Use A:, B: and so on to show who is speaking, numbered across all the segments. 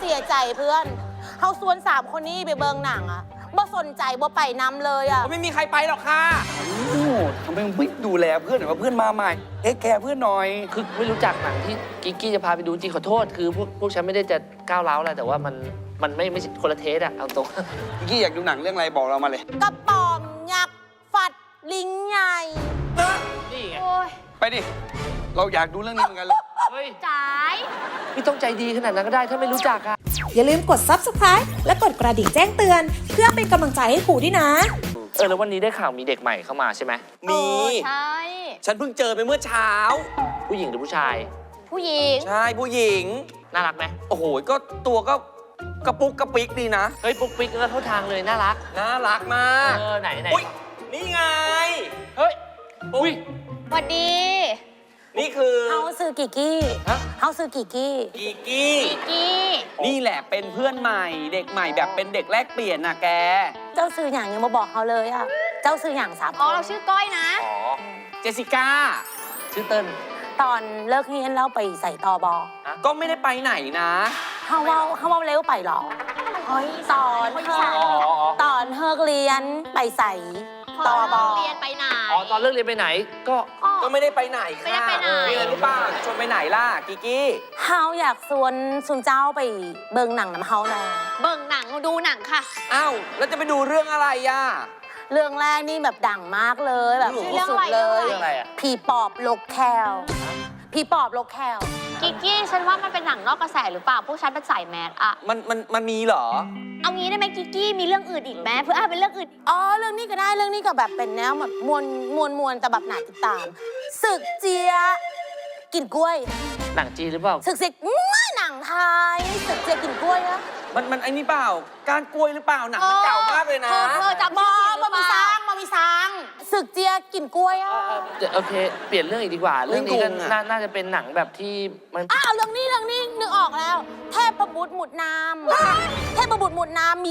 A: สียใจเพื่อนเขาชวน3 คนนี้ไปเบิงหนังอะบ่สนใจบ่ไปนำเลยอะ
B: ไม่มีใครไปหรอกค่ะ
C: ทำไมไม่ดูแลเพื่อนหรือว่าเพื่อนมาใหม่เทคแคร์เพื่อนหน่อย
D: คือไม่รู้จักหนังที่กิ๊กกี้จะพาไปดูจริงขอโทษคือพวกฉันไม่ได้จะก้าวร้าวอะไรแต่ว่ามันไม่ใช่คนละเทสอะเอาตรง
C: กิ๊กกี้อยากดูหนังเรื่องอะไรบอกเรามาเลย
A: กระป๋อมยักษ์ฟัดลิงใหญ่
D: นี่ไง
C: ไปดิเราอยากดูเรื่องนี้เหมือนกันเลย
D: เฮ้ย
A: จ๋าย
D: ไม่ต้องใจดีขนาดนั้นก็ได้ถ้าไม่รู้จักอะ
E: อย่าลืมกด Subscribe และกดกระดิ่งแจ้งเตือนเพื่อเป็นกำลังใจให้ครูด้วยนะ
D: แล้ววันนี้ได้ข่าวมีเด็กใหม่เข้ามาใช่ไหม
B: มี
A: ใช่
B: ฉันเพิ่งเจอไปเมื่อเช้า
D: ผู้หญิงหรือผู้ชาย
A: ผู้หญิง
B: ใช่ผู้หญิง
D: น่ารักไหม
B: โอ้โหก็ตัวก็กระปุกกระปิกดีนะ
D: เฮ้ยปุ๊กปิ๊กก็เข้าทางเลยน่ารัก
B: มาก
D: ไหน
B: อุ้ยนี่ไง
D: เฮ้ยอุ้ย
A: สวัสดี
B: นี่คือ
A: เฮาซื้อกิกกี้เฮาซื้อกิกกี้
B: นี่แหละเป็นเพื่อนใหม่เด็กใหม่แบบเป็นเด็กแลกเปลี่ยนนะแก
A: เจ้าซื้ออย่างยังมาบอกเขาเลยอะเจ้าซื้ออย่าง3 คน
F: เราชื่อก้อยนะ
B: เจสสิก้า
D: ชื่อเติ้ล
A: ตอนเลิกเรียนเราไปใส่ตบ
B: ก็ไม่ได้ไปไหนนะ
A: เฮาว่าเร็วไปหรอตอนเลิกเรียนไปใส่ตบ
F: เรียนไปไหน
D: ตอนเลิกเรียนไปไหน
B: ก็ไม่ได้ไปไหนค่ะมีอะไรหรือเปล่าชวนไปไหนล่ะกิกกี้
A: เฮาอยากชวนเจ้าไปเบิ่งหนังน้ำเฮาหน่อย
F: เบิ่งหนังดูหนังค่ะ
B: อ้าวแล้วจะไปดูเรื่องอะไรอ่ะ
A: เรื่องแรกนี่แบบดังมากเลยแบบที่สุดเลยผีปอบลกแคลผีปอบลกแคล
F: กิกกี้ฉันว่ามันเป็นหนังนอกกระแสหรือเปล่าพวกฉันเป็นสายแมสอะ
B: มันมีเหรอ
F: เอางี้ได้ไหมกิกกี้มีเรื่องอื่นอีกไหมเพื่อเป็นเรื่องอื่น
A: เรื่องนี้ก็ได้เรื่องนี้ก็แบบเป็นแนวแบบมวลแต่แบบหนาติดตามศึกเจียกินกล้วย
D: หนังจีนหรือเปล่า
A: ศึกหนังไทยศึกเจียกินกล้วยนะ
B: มันไอ้นี่เปล่าการกล้วยหรือเปล่าหนังมันเก่ามากเลยนะ
A: จำมามีซังศึกเจียกินกล้วย
D: โอเคเปลี่ยนเรื่องอีกดีกว่าเรื่องนี้ก็น่าจะเป็นหนังแบบที่มัน
A: เรื่องนี้นึกออกแล้วเทพบุตรหมุดน้ำเทพบุตรหมุดน้ำมี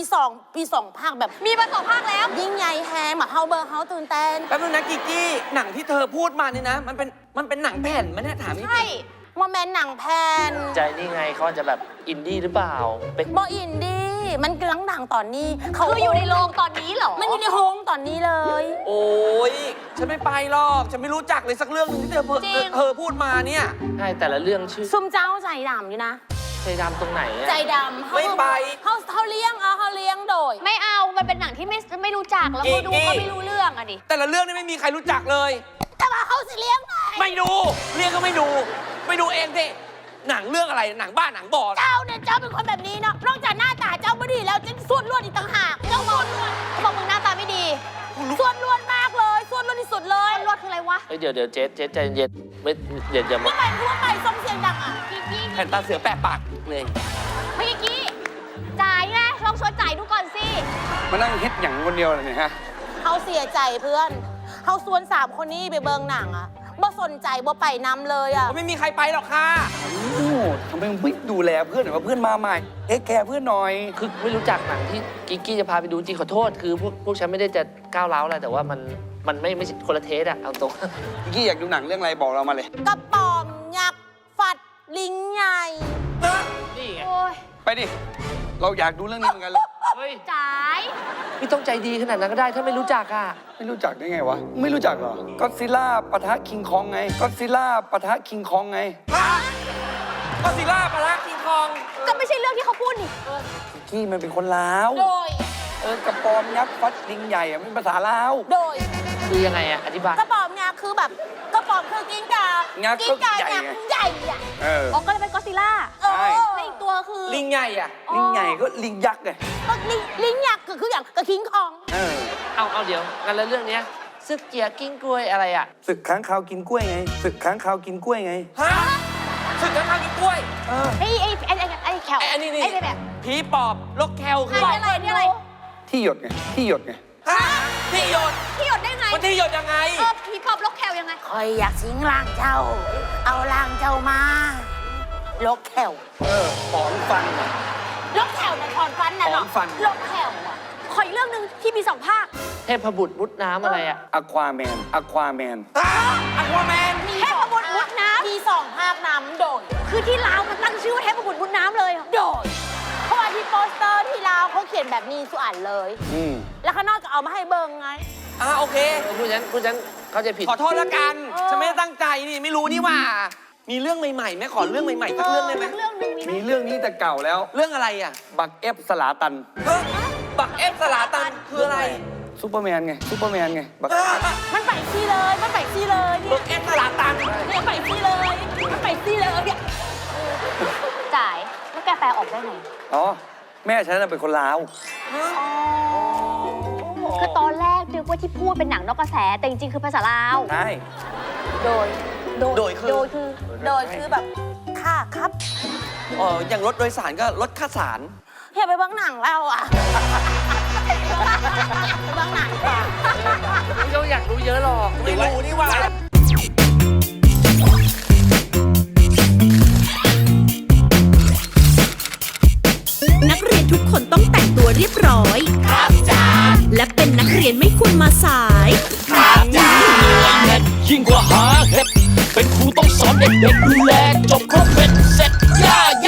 A: 2 ภาคแบบ
F: มีมา2 ภาคแล้ว
A: ยิ่งใหญ่แฮมเฮาเบอร์เฮาตื่นเต้น
B: แป๊บนึงนะกิกกี้หนังที่เธอพูดมานี่นะมันเป็นหนังแผ่นมันเนี่ยถามจริง
A: โมเมนต์หนังแพน
D: ใจนี่ไงเขาจะแบบอินดี้หรือเปล่า
A: เป็นบออินดี้มันกำลังดังตอนนี้
F: เขาอยู่ในโรงตอนนี้เหรอ
A: มันอยู่ในโรงตอนนี้เลย
B: โอ้ยฉันไม่ไปหรอกฉันไม่รู้จักเลยสักเรื่องนึงที่เธอพูดมาเนี่ย
D: ใช่แต่ละเรื่องชื่อ
A: ซุ่มเจ้าใจดำอยู่นะ
D: ใจดำตรงไหน
A: ใจดำ
B: ไม่ไป
A: เขาเลี้ยงโดย
F: ไม่เอามันเป็นหนังที่ไม่รู้จักแล้วก็ดูก็ไม่รู้เรื่องอะดิ
B: แต่ละเรื่องนี่ไม่มีใครรู้จักเลย
A: แต่ว่าเขาสิเลี้ยงไง
B: ไม่ดูเลี้ยงก็ไม่ดูเองสิหนังเรื่องอะไรหนังบ้านหนังบอ
A: เจ้าเนี่ยเจ้าเป็นคนแบบนี้เนาะนอกจากหน้าตาเจ้าไม่ดีแล้วยังส่วนล้วนอีกต่างหาก
F: เจ้าบอกมึงหน้าตาไม่ดี
A: ส่วนล้วนมากเลยส่วนล้วนที่สุดเลย
F: ล้วนคืออะไรวะ
D: เดี๋ยวเจ๊ใจเย็นไม่เดี๋ยว
A: มาทั่วไปส่งเสียงดังอ่ะ
B: แผ่นตาเสือแปะปากเลย
F: เมื่อกี้จ่ายไงลองชวนจ่ายดูก่อนสิ
C: มานั่งคิดอย่างคนเดียวเลยเนี่ยฮะ
A: เขาเสียใจเพื่อนเขาชวน3 คนนี้ไปเบิงหนังอ่ะบ่สนใจบ่ไปนำเลยอ่ะ
B: ไม่มีใครไปหรอกค่ะ
C: ทำไมไม่ดูแลเพื่อนหรือว่าเพื่อนมาใหม่เทคแคร์เพื่อนหน่อย
D: คือไม่รู้จักหนังที่กิ๊กกี้จะพาไปดูจริงขอโทษคือพวกฉันไม่ได้จะก้าวร้าวอะไรแต่ว่ามันไม่ใช่คนละเทสอะเอาตรง
C: กิ๊กกี้อยากดูหนังเรื่องอะไรบอกเรามาเลย
A: กระป๋อมยักษ์ฟัดลิงใหญ่
D: นี่ไง
C: ไปดิเราอยากดูเรื่องนี้เหมือนกันเลย
F: จ่าย
D: ไม่ต้องใจดีขนาดนั้นก็ได้ถ้าไม่รู้จักอะ
C: ไม่รู้จักได้ไงวะไม่รู้จักเหรอก็อดซิลล่าปะทะคิงคองไงก็อดซิลล่าปะทะคิงคองไง
B: ก็อดซิลล่าปะทะคิงคอง
F: ก็ไม่ใช่เรื่องที่เขาพูดนี่
C: กี้มันเป็นคนลาว
A: โดย
C: กระปอมยักษ์ฟัดลิงใหญ่อะมันภาษาลาว
A: โดย
D: คือยังไงอะอธิบาย
A: กระปอมยักษ์คือแบบกระปอมคือกิ้งก่า
C: กิ้งก่าให
A: ญ่อะ
F: ก็เลยเป็นก็อดซิลล่าในอีกตัวคือ
B: ลิงใหญ่อะ
C: ลิงใหญ่ก็ลิงยักษ์ไง
A: ลิงยักษ์คืออย่างกระคิงคอง
D: เอาเดี๋ยวงั้นแล้วเรื่องนี้ศึกเจียกิ้งกล้วยอะไรอะ
C: ศึกค้างคาวกินกล้วยไงศึกค้างคาวกินกล้วยไง
B: ฮะศึกค้างคาวกินกล้วย
F: ไอ้แคล
B: ไอ้นี่
F: แบบ
B: ผีปอบลกแคลคือ
F: อะไร
C: ที่หยดไงที่หยดไง
B: ฮะที่หยด
F: ได้ไง
B: มันที่หยดยังไง
F: ผีปอบลกแคลยังไง
A: คอยอยากสิงร่างเจ้าเอาร่างเจ้ามาลกแคล
C: ถอนฟัน
A: ลกแคลนะถอนฟันนะเนาะลกแคล
F: ขออีกเรื่องนึงที่มี2 ภาค
D: เทพบุตรมุดน้ำอะไรอะ
C: อควาแมน
B: เทพบุตร
F: มุดน้ำ
A: มี2 ภาคน้ำโดย
F: คือที่ลาวมันตั้งชื่อว่าเทพบุตรมุดน้ำเลย
A: โดยขียนแบบนี้สุอันเลย
C: อืม
A: แล้วข้างนอกก็เอามาให้เบิ่งไง
B: โอเค
D: ผู้ฉันเข้าใจผิด
B: ขอโทษละกัน
A: เออ
B: ฉันไม่ได้ตั้งใจนี่ไม่รู้นี่ว่า มีเรื่องใหม่ๆไหมขอเรื่องใหม่ๆสักเรื่องได้ไหม
A: เรื่องหนึงมีไหม
C: มีเรื่องนี้แต่เก่าแล้ว
B: เรื่องอะไรอ่ะ
C: บักเอฟสลาตัน
B: เฮ้ยบักเอฟสลาตันคืออะไร
C: ซูเปอร์แมนไงซูเปอร์แมนไงบัก
A: มันไปซี่เลยมันไปซี่เลยเนี่
B: บั
A: ย
B: กเอฟสลาตัน
A: เนี่ยไปซี่เลยมันไปซี่เลยเนี่ย
F: จ่ายแล้วแกแปลออกได้ไง
C: อ๋อ แม่ฉันน่ะเป็นคนลาว
F: คือตอนแรกนึกว่าที่พูดเป็นหนังนอกกระแส แต่จริงๆคือภาษาลาว
C: ใช่
A: โดย
B: โดยคือ
A: โดยคือแบบค่ะครับ
B: อย่างรถโดยสารก็รถค่าสาร
A: เฮียไปเบ้างหนังเราอ่ะไปเบ้างหนังก่อน
D: ไม่ต้องอยากรู้เยอะหรอก
B: ไม่รู้นี่ว่า
G: นักเรียนทุกคนต้องแต่งตัวเรียบร้อย ครับจ้าและเป็นนักเรียนไม่ควรมาสาย
H: ยิ่งกว่าหาเห็ดเป็นครูต้องสอนเด็กๆดูแลจบครบ